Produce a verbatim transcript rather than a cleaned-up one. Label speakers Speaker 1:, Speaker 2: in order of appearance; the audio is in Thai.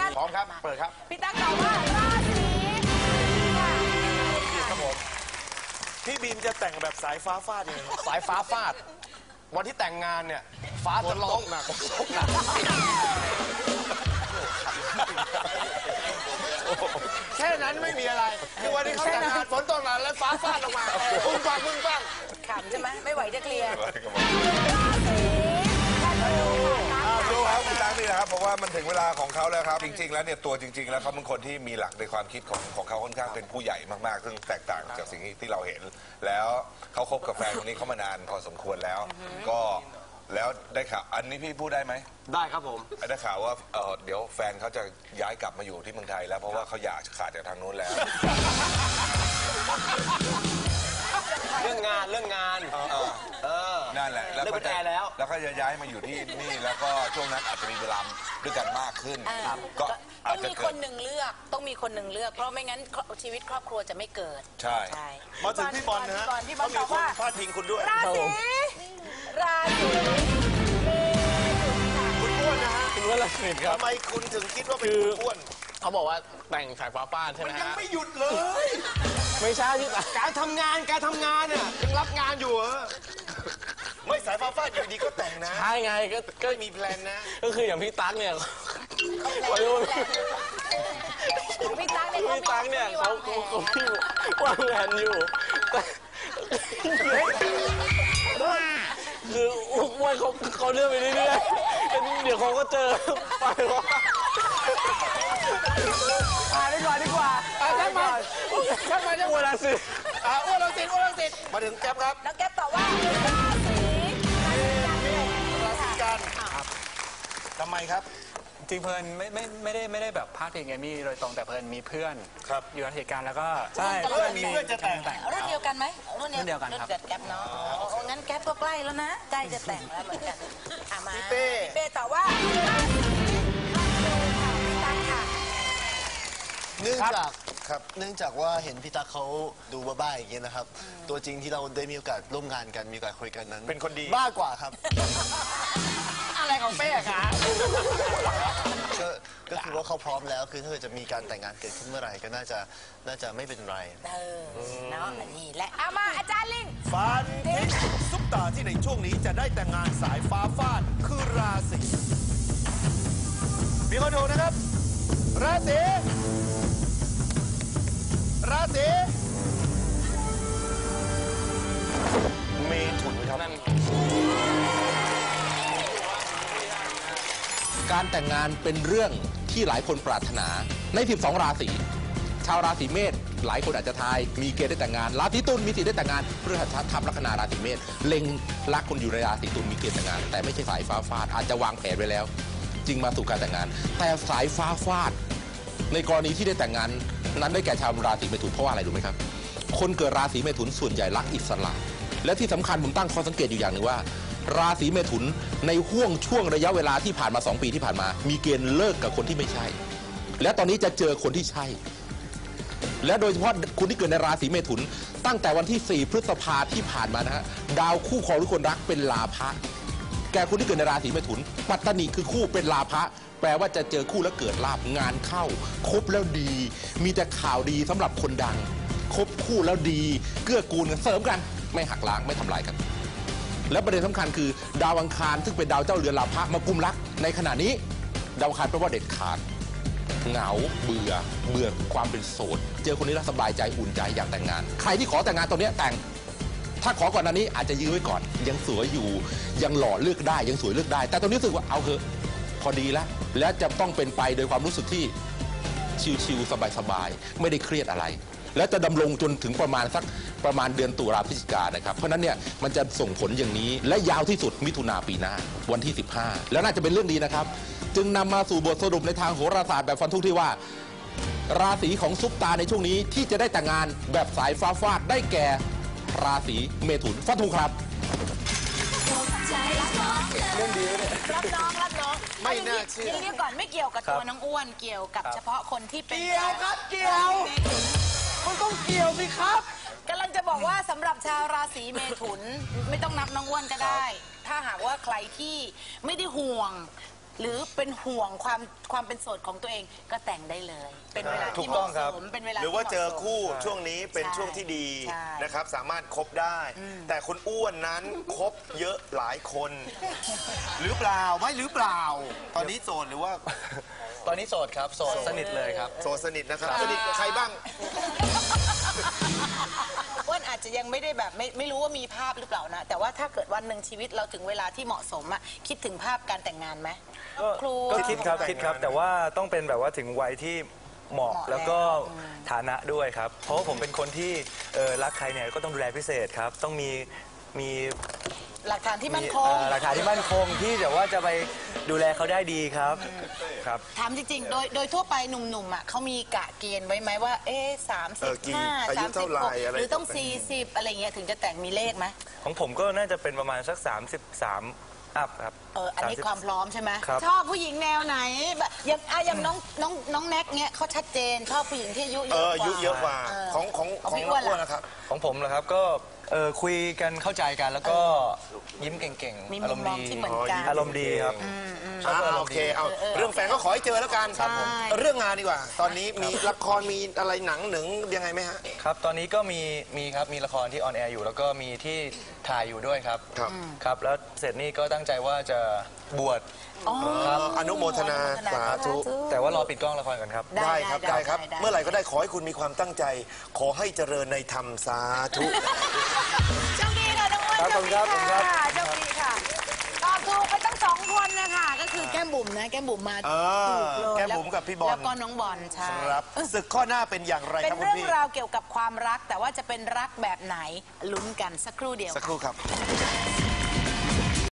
Speaker 1: พร้อมครับเปิดครับ
Speaker 2: พี่ตั๊กตอบว่าราศี
Speaker 1: ครับผมพี่บีมจะแต่งแบบสายฟ้าฟาดยังไงสายฟ้าฟาดวันที่แต่งงานเนี่ยฟ้าจะร้องหนักตกหนักแค่นั้นไม่มีอะไรคือวันที่เขาแต่งงานฝนตกหนักแล้วฟ้าฟาดลงมาปุ้งปังปุ้งปัง
Speaker 2: ขำใช่ไหมไม่ไหวจะเคลียร์
Speaker 3: ดูครับคุณตั้งนี่นะครับเพราะว่ามันถึงเวลาของเขาแล้วครับจริงๆแล้วเนี่ยตัวจริงๆแล้วเขาเป็นคนที่มีหลักในความคิดของของเขาค่อนข้างเป็นผู้ใหญ่มากๆซึ่งแตกต่างจากสิ่งที่เราเห็นแล้วเขาคบกับแฟนคนนี้เขามานานพอสมควรแล้วก็แล้วได้ข่าวอันนี้พี่พูดได้ไหม
Speaker 1: ได้ครับผม
Speaker 3: ได้ข่าวว่าเออเดี๋ยวแฟนเขาจะย้ายกลับมาอยู่ที่เมืองไทยแล้วเพราะว่าเขาอยากขาดจากทางนู้นแล้ว
Speaker 1: เรื่องงานเรื่องงานเออ
Speaker 3: นั่นแหละแล้วก็
Speaker 1: จะแล้ว
Speaker 3: แล้วก็จะย้ายมาอยู่ที่นี่แล้วก็ช่วงนั้นอาจจะมีเวลาด้วยกันมากขึ้น
Speaker 2: ก็ต้องมีคนหนึ่งเลือกต้องมีคนหนึ่งเลือกเพราะไม่งั้นชีวิตครอบครัวจะไม่เกิด
Speaker 3: ใช่
Speaker 1: มาถึงพี่บอลนะฮะเขามีคนพาดพิงคุณด้วย
Speaker 2: ราศีราศี
Speaker 1: คุณอ้วนนะฮะ
Speaker 4: คุณอ้วนละสิครับ
Speaker 1: ทำไมคุณถึงคิดว่าเป็นคุณอ้วน
Speaker 4: เขาบอกว่าแต่งสายฟ้าฟาดใช่ไหมฮะ
Speaker 1: ยังไม่หยุดเลย
Speaker 4: ไม่ใช่ที่
Speaker 1: การทำงานการทำงานเนี่ยยังรับงานอยู่เหรอไม่สายฟ้าฟาดอยู่ดีก็แต่งนะ
Speaker 4: ใช่ไงก็
Speaker 1: ก็มีแพลนนะ
Speaker 4: ก็คืออย่างพี่ตั๊กเนี่ย
Speaker 2: พี่ตั๊กเนี่ย
Speaker 4: พี่ตั๊กเนี่ยเขาเขาพี่วางแผนอยู่คือว่าเขาเขาเลื่อนไปเรื่อยๆเดี๋ยวเขาก็เจอไปว่า
Speaker 2: อ่าดีกว่าดีกว่า
Speaker 1: อ่าแก๊ปมาแก๊ปมาจะ
Speaker 4: อ้วนละสิ
Speaker 1: อ่าอ้วนละสิอ้วนละสิมาถึงแก๊ปครับ
Speaker 2: แล้วแก๊ปตอบว่าราศี
Speaker 1: ราศีกันทำไมครับ
Speaker 5: จริงเพลินไม่ไม่ไม่ได้ไม่ได้แบบพาดพิงเอมี่โดยตรงแต่เพลินมีเพื่อนอยู่ในเหตุการณ์แล้วก็
Speaker 2: ใช่
Speaker 1: เพื่อนมีเพื่อนจะแต่ง
Speaker 2: รุ่นเดียวกันไหม
Speaker 5: รุ่นเดียวกันครับ
Speaker 2: เกิดแก๊ปเนาะงั้นแก๊ปก็ใกล้แล้วนะใกล้จะแต่งแล้วเหมือนกันมา
Speaker 1: พี่เป้
Speaker 2: พี่เป้ตอบว่า
Speaker 6: เนื่องจากครับเนื่องจากว่าเห็นพี่ตั๊กเขาดูบ้าๆอย่างเงี้ยนะครับตัวจริงที่เราได้มีโอกาสร่วมงานกันมีโอกาสคุยกันนั้น
Speaker 1: เป็นคนดี
Speaker 6: บ้ากว่าครับ
Speaker 2: อะไรของเป้คะ
Speaker 6: ก็ก็คือว่าเขาพร้อมแล้วคือถ้าเกิดจะมีการแต่งงานเกิดขึ้นเมื่อไหร่ก็น่าจะน่าจะไม่เป็นไร
Speaker 2: เออเนาะนี่แหละเอามาอาจารย์ลิง
Speaker 1: ฟันทิ้งซุปตาที่ในช่วงนี้จะได้แต่งงานสายฟ้าฟาดคือราศีมีคนดูนะครับราศีราศีเมถุนครับ
Speaker 7: การแต่งงานเป็นเรื่องที่หลายคนปรารถนาในสิบสองราศีชาวราศีเมษหลายคนอาจจะทายมีเกณฑ์ได้แต่งงานราศีตุลมีสิทธิ์ได้แต่งงานพฤหัสทำลัคนาราศีเมษเล็งรักคนอยู่ในราศีตุลมีเกณฑ์แต่งงานแต่ไม่ใช่สายฟ้าฟาดอาจจะวางแผนไว้แล้วจึงมาสู่การแต่งงานแต่สายฟ้าฟาดในกรณีที่ได้แต่งงานนั้นได้แก่ชาวราศีเมถุนเพราะว่าอะไรรู้ไหมครับคนเกิดราศีเมถุนส่วนใหญ่รักอิสระและที่สำคัญผมตั้งข้อสังเกตอยู่อย่างหนึ่งว่าราศีเมถุนในห่วงช่วงระยะเวลาที่ผ่านมาสองปีที่ผ่านมามีเกณฑ์เลิกกับคนที่ไม่ใช่และตอนนี้จะเจอคนที่ใช่และโดยเฉพาะคุณที่เกิดในราศีเมถุนตั้งแต่วันที่สี่พฤษภาที่ผ่านมานะฮะดาวคู่ครองหรือคนรักเป็นลาภะแก่คุณที่เกิดในราศีเมถุนปัตตนิคือคู่เป็นลาภะแปลว่าจะเจอคู่แล้วเกิดลาภงานเข้าคบแล้วดีมีแต่ข่าวดีสำหรับคนดังคบคู่แล้วดีเกื้อกูลกันเสริมกันไม่หักล้างไม่ทำลายกันและประเด็นสำคัญคือดาวอังคารซึ่งเป็นดาวเจ้าเรือนลาภะมากุมรักในขณะนี้ดาวอังคารแปลว่าเด็ดขาดเหงาเบื่อเบื่อความเป็นโสดเจอคนนี้แล้วสบายใจอุ่นใจอยากแต่งงานใครที่ขอแต่งงานตอนนี้แต่งถ้าขอก่อนหน้านี้อาจจะยื้อไว้ก่อนยังสวยอยู่ยังหล่อเลือกได้ยังสวยเลือกได้แต่ตอนนี้รู้สึกว่าเอาเถอะพอดีแล้วและจะต้องเป็นไปโดยความรู้สึกที่ชิลๆสบายๆไม่ได้เครียดอะไรและจะดำรงจนถึงประมาณสักประมาณเดือนตุลาพฤศจิกายนนะครับเพราะนั้นเนี่ยมันจะส่งผลอย่างนี้และยาวที่สุดมิถุนาปีหน้าวันที่สิบห้าแล้วน่าจะเป็นเรื่องดีนะครับจึงนำมาสู่บทสรุปในทางโหราศาสตร์แบบฟันธงที่ว่าราศีของซุปตาในช่วงนี้ที่จะได้แต่งงานแบบสายฟ้าฟาดได้แก่ราศีเมถุนฟันธงครับ
Speaker 2: เรื่องดีเลยรับน้องรับน้อง
Speaker 1: ไม่น่าเชื่อ
Speaker 2: ทีนี้ก่อนไม่เกี่ยวกับตัวน้องอ้วนเกี่ยวกับเฉพาะคนที่เป็น
Speaker 1: เกี่ยวครับเกี่ยวมันต้องเกี่ยวสิครับ
Speaker 2: กำลังจะบอกว่าสำหรับชาวราศีเมถุนไม่ต้องนับน้องอ้วนก็ได้ถ้าหากว่าใครที่ไม่ได้ห่วงหรือเป็นห่วงความความเป็นโสดของตัวเองก็แต่งได้เลย เป็นเวลา
Speaker 1: ถู
Speaker 2: ที่
Speaker 1: ก
Speaker 2: เห
Speaker 1: ต้อ
Speaker 2: มาะ
Speaker 1: งครับ
Speaker 2: สมเป็นเวลา
Speaker 3: หรือว่า
Speaker 2: ที่
Speaker 3: เจอ
Speaker 2: หมะสม
Speaker 3: คู่ช่วงนี้เป็น
Speaker 2: ใช่
Speaker 3: ช่วงที่ดี
Speaker 2: ใช่
Speaker 3: นะครับ สามารถคบได้ แต่คุณอ้วนนั้นคบเยอะหลายคน หรือเปล่าไม่หรือเปล่า ตอนนี้โสดหรือว่า
Speaker 4: ตอนนี้โสดครับโสดสนิทเลยครับ
Speaker 3: โสดสนิทนะครับสนิทกับใครบ้าง
Speaker 2: อ้วนอาจจะยังไม่ได้แบบไม่ไม่รู้ว่ามีภาพหรือเปล่านะ แต่ว่าถ้าเกิดวันหนึ่งชีวิตเราถึงเวลาที่เหมาะสมอะคิดถึงภาพการแต่งงานไหม
Speaker 8: ก็
Speaker 2: ครู
Speaker 8: ก็คิดครับ
Speaker 3: แต่ง
Speaker 8: คิดครับ
Speaker 3: งาน
Speaker 8: แต่ว่าต้องเป็นแบบว่าถึงวัยที่เหมาะ
Speaker 2: เหมาะ
Speaker 8: แล้วก็
Speaker 2: แล้วอืม
Speaker 8: ฐานะด้วยครับ เพราะว่าผมเป็นคนที่เออรักใครเนี่ยก็ต้องดูแลพิเศษครับ ต้องมีมี
Speaker 2: หลักฐานที่มั่นค
Speaker 8: เอ่
Speaker 2: ง
Speaker 8: อหลักฐานที่มั่นคงที่แบบว่าจะไปดูแลเขาได้ดีครับครับ
Speaker 2: ถามจริงๆ โดยโดยทั่วไปหนุ่มๆอ่ะเขามีกะเกณฑ์ไว้ไหมว่า เอ๊ะสาม
Speaker 3: เอ
Speaker 2: สิ
Speaker 3: อบ กี่
Speaker 2: ห้า
Speaker 3: อายุ
Speaker 2: สามสิ
Speaker 3: เท่า
Speaker 2: บ
Speaker 3: ไหร่
Speaker 2: หก
Speaker 3: อะไร
Speaker 2: หรือต้องสี่สิบอะไรเงี้ยถึงจะแต่งมีเลขไหม
Speaker 8: ของผมก็น่าจะเป็นประมาณสักสามสิบสามอัพครับ
Speaker 2: เอออันนี้
Speaker 8: สสิบ
Speaker 2: ความพร้อมใช่ไหม
Speaker 8: ครับ
Speaker 2: ชอบผู้หญิงแนวไหนแบบอย่างอ่ะอย่างน้องน้องน้องแน็กเนี้ยเขาชัดเจนชอบผู้หญิงที่อายุเย
Speaker 3: เอ
Speaker 2: อะ
Speaker 3: อก อายุ
Speaker 2: ว่า
Speaker 3: เยอะกว่า
Speaker 2: เออ
Speaker 3: ของของ
Speaker 2: ของ
Speaker 3: ของ
Speaker 2: พี่
Speaker 3: น้
Speaker 2: อ้
Speaker 3: อ
Speaker 2: วน
Speaker 3: งอ้วน
Speaker 2: ล่ะ
Speaker 3: นะครับ
Speaker 8: ของผมนะครับก็เออคุยกันเข้าใจกันแล้วก็ยิ้มเก่ง
Speaker 2: มี
Speaker 8: ๆ อา
Speaker 2: มุ
Speaker 8: ร
Speaker 2: ม
Speaker 8: มณ์
Speaker 2: มอง
Speaker 8: ดี
Speaker 2: ที่เหมือนกัน
Speaker 8: อารมณ์ดีครับ
Speaker 3: อ่าโอเคเอาเรื่องแฟนก็ขอให้เจอแล้วกัน
Speaker 2: ใช่
Speaker 3: เรื่องงานดีกว่า ตอนนี้มีละครมีอะไรหนังหนึ่งยังไงไหมฮะ
Speaker 8: ครับ ตอนนี้ก็มีมีครับ มีละครที่ออนแอร์อยู่ แล้วก็มีที่ถ่ายอยู่ด้วยครับ
Speaker 3: ครับ
Speaker 8: ครับ แล้วเสร็จนี่ก็ตั้งใจว่าจะบวช
Speaker 2: อ๋อ
Speaker 8: ครับ
Speaker 3: อนุโมทนาสาธุ
Speaker 8: แต่ว่ารอปิดกล้องละครก่อนครับ
Speaker 3: ได้ครับได้ครับ
Speaker 2: ได้
Speaker 3: เมื่อไหร่ก็ได้ขอให้คุณมีความตั้งใจ ขอให้เจริญในธรรมสาธุ
Speaker 2: โชคดีค่ะน้องอ้วน
Speaker 8: ครับ
Speaker 2: โชคดี
Speaker 8: ขอบคุณครั
Speaker 2: ค่ะ
Speaker 8: บ
Speaker 2: โชคดีค่ะตอบถูกไปตั้งสองคนนะคะก็คือแก้มบุ๋มนะแก้มบุ๋มมา
Speaker 3: เออ
Speaker 2: ถูกเลย
Speaker 3: แก้มบุ๋มกับพี่บอล
Speaker 2: แล้วก็น้องบอลใช่
Speaker 3: ครับศึกข้อหน้าเป็นอย่างไร
Speaker 2: เป็
Speaker 3: คน รับคุณ
Speaker 2: เรื่อง
Speaker 3: พี่
Speaker 2: ราวเกี่ยวกับความรัก แต่ว่าจะเป็นรักแบบไหนลุ้นกันสักครู่เดียว
Speaker 3: สักครู่ครับ